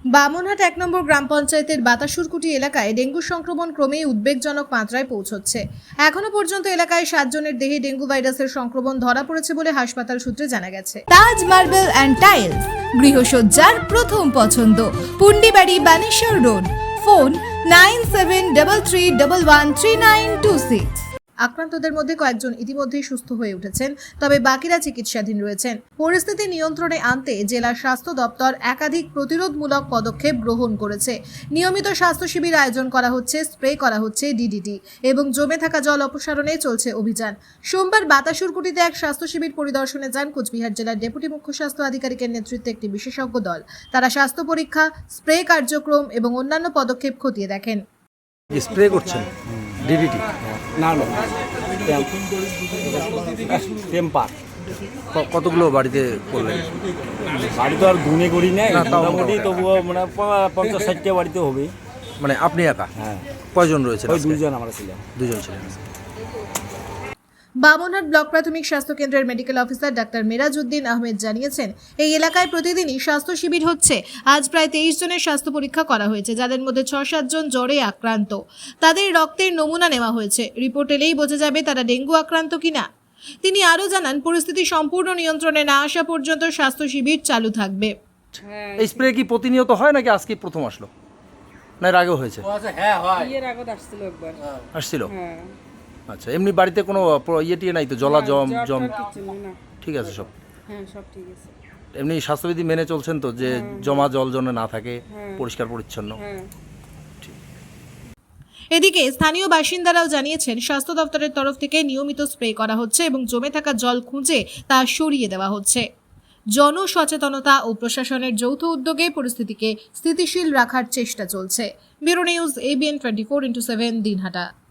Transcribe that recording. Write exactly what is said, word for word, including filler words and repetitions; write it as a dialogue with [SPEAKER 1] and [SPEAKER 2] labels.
[SPEAKER 1] বামনহাট এক নম্বর গ্রাম পঞ্চায়েতের বাতাসুরকুটি এলাকায় ডেঙ্গু সংক্রমণ ক্রমেই উদ্বেগজনক মাত্রায় পৌঁছচ্ছে। এখনো পর্যন্ত এলাকায় সাত জনের দেহে ডেঙ্গু ভাইরাসের সংক্রমণ ধরা পড়েছে বলে হাসপাতাল সূত্রে জানা গেছে।
[SPEAKER 2] তাজ মার্বেল অ্যান্ড টাইলস, গৃহসজ্জার প্রথম পছন্দ, Pundibari, Baneshwar road. Phone nine seven double three double one three nine two six.
[SPEAKER 1] আক্রান্তদের মধ্যে কয়েকজন ইতিমধ্যেই সুস্থ হয়ে উঠেছেন, তবে বাকিরা চিকিৎসাধীন রয়েছেন। পরিস্থিতি নিয়ন্ত্রণে আনতে জেলা স্বাস্থ্য দপ্তর একাধিক প্রতিরোধমূলক পদক্ষেপ গ্রহণ করেছে। নিয়মিত স্বাস্থ্য শিবির আয়োজন করা হচ্ছে, স্প্রে করা হচ্ছে ডিডিটি এবং জমে থাকা জল অপসারণে চলছে অভিযান। সোমবার বাতাসুরকুটিতে এক স্বাস্থ্য শিবির পরিদর্শনে যান কোচবিহার জেলার ডেপুটি মুখ্য স্বাস্থ্য আধিকারিকের নেতৃত্বে একটি বিশেষজ্ঞ দল। তারা স্বাস্থ্য পরীক্ষা, স্প্রে কার্যক্রম এবং অন্যান্য পদক্ষেপ খতিয়ে দেখেন।
[SPEAKER 3] স্প্রে করছেন ডিডিটি
[SPEAKER 4] না না টেম্পার
[SPEAKER 3] কতগুলো বাড়িতে করলেন?
[SPEAKER 4] বাড়ি তো আর গুনে করি নাই,
[SPEAKER 3] না, তাও
[SPEAKER 4] মোটামুটি
[SPEAKER 3] মোটামুটি।
[SPEAKER 4] তবুও মানে প- পঞ্চাশ ষাটটা বাড়িতে হবে।
[SPEAKER 3] মানে আপনি একা?
[SPEAKER 4] হ্যাঁ,
[SPEAKER 3] কয়জন রয়েছেন?
[SPEAKER 4] ওই
[SPEAKER 3] আজকে?
[SPEAKER 4] দুইজন আমরা ছিলাম।
[SPEAKER 3] দুজন ছিলেন।
[SPEAKER 1] বামনহাট ব্লক প্রাথমিক স্বাস্থ্য কেন্দ্রের medical officer doctor Merajuddin Ahmed জানিয়েছেন, এই এলাকায় প্রতিদিনই স্বাস্থ্য শিবির হচ্ছে। আজ প্রায় তেইশ জনের স্বাস্থ্য পরীক্ষা করা হয়েছে, যাদের মধ্যে ছ সাত জন জ্বরে আক্রান্ত। তাদের রক্তের নমুনা নেওয়া হয়েছে। রিপোর্ট এলেই বোঝা যাবে তারা ডেঙ্গু আক্রান্ত কিনা। তিনি আরও জানান, পরিস্থিতি সম্পূর্ণ নিয়ন্ত্রণে না আসা পর্যন্ত স্বাস্থ্য শিবির চালু থাকবে।
[SPEAKER 3] এই স্প্রে কি প্রতিনিয়ত হয় নাকি আজকে প্রথম আসলো, না এর আগেও হয়েছে?
[SPEAKER 5] ইয়ের আগত আসছিল একবার।
[SPEAKER 3] আসছিল?
[SPEAKER 5] হ্যাঁ,
[SPEAKER 3] আচ্ছা, এমনি বাড়িতে কোনো প্র- ইয়ে টিয়ে নাই তো? জলা জম
[SPEAKER 5] জ্বর
[SPEAKER 3] জম
[SPEAKER 5] টর কিচ্ছু নেই, না।
[SPEAKER 3] ঠিক আছে সব?
[SPEAKER 5] হ্যাঁ, সব ঠিক আছে।
[SPEAKER 3] এমনি স্বাস্থ্যবিধি মেনে চলছেন তো, যে জমা জল যেন না থাকে,
[SPEAKER 5] হ্যাঁ।
[SPEAKER 3] পরিষ্কার পরিচ্ছন্ন?
[SPEAKER 5] হ্যাঁ,
[SPEAKER 1] এদিকে স্থানীয় বাসিন্দারাও জানিয়েছেন, স্বাস্থ্য দপ্তরের তরফ থেকে নিয়মিত স্প্রে করা হচ্ছে এবং জমে থাকা জল খুঁজে তা সরিয়ে দেওয়া হচ্ছে। জনসচেতনতা ও প্রশাসনের যৌথ উদ্যোগে পরিস্থিতিকে স্থিতিশীল রাখার চেষ্টা চলছে। Bureau news, ABN twenty four into seven, Dinhata.